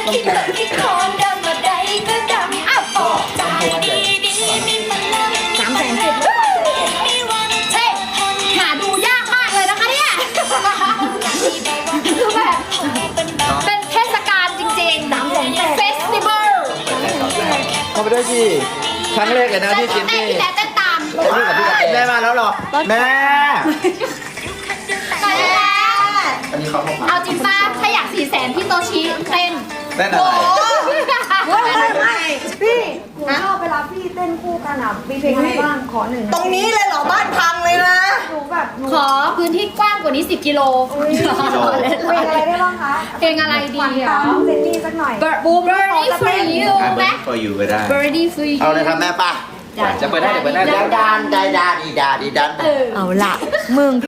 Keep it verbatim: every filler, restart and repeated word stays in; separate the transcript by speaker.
Speaker 1: ที่เธอที่คอนดำอะไรก็ดำอ้าวบอกใจดีดีมีพลัง
Speaker 2: สามแสนเจ็ด
Speaker 1: มีวันเท
Speaker 2: หาดูยากมากเลยนะคะเนี่ยคือแบบเป็นเทศกาลจริงๆสามแสนแปดเฟสติวัล
Speaker 3: เข้าไปด้วยสิครั้งแรกเลยนะที่กิน
Speaker 2: เต้น
Speaker 3: นี่
Speaker 2: พี่แต่เต้นตาม
Speaker 3: แม่มาแล้วเหรอแม่
Speaker 2: ไปแล้ว
Speaker 3: อันนี้เขาเข้ามา
Speaker 2: เอาจริงป้าถ้าอยากสี่แสนพี่โตชิเต้น
Speaker 3: เต้นอะไร
Speaker 4: ไม่ไม่ไม่พี่หนูชอบเวลาพี่เต้นคู่กันอ่ะมีเพลงอะไรบ้างขอหนึ่ง
Speaker 5: ตรงนี้เลยเหรอบ้านพังเลยนะ
Speaker 4: หนูแบบหนู
Speaker 2: ขอพื้นที่กว้างกว่านี้สิบกิโล
Speaker 4: เพลงอะไรได้บ้างคะ
Speaker 2: เพลงอะไรดี
Speaker 4: หวาน
Speaker 2: อ่ะ
Speaker 4: ตามเจนนี่สักหน่อย
Speaker 2: Birdie for you ไหม
Speaker 3: ก็อยู่ก็ได้
Speaker 2: Birdie for you
Speaker 3: เอาเลยครับแม่ป่ะจะเปิดได้เดี๋ยวเปิดได้ดันดันดันดีดาดีดัน
Speaker 2: เออ
Speaker 5: เอาล่ะมึง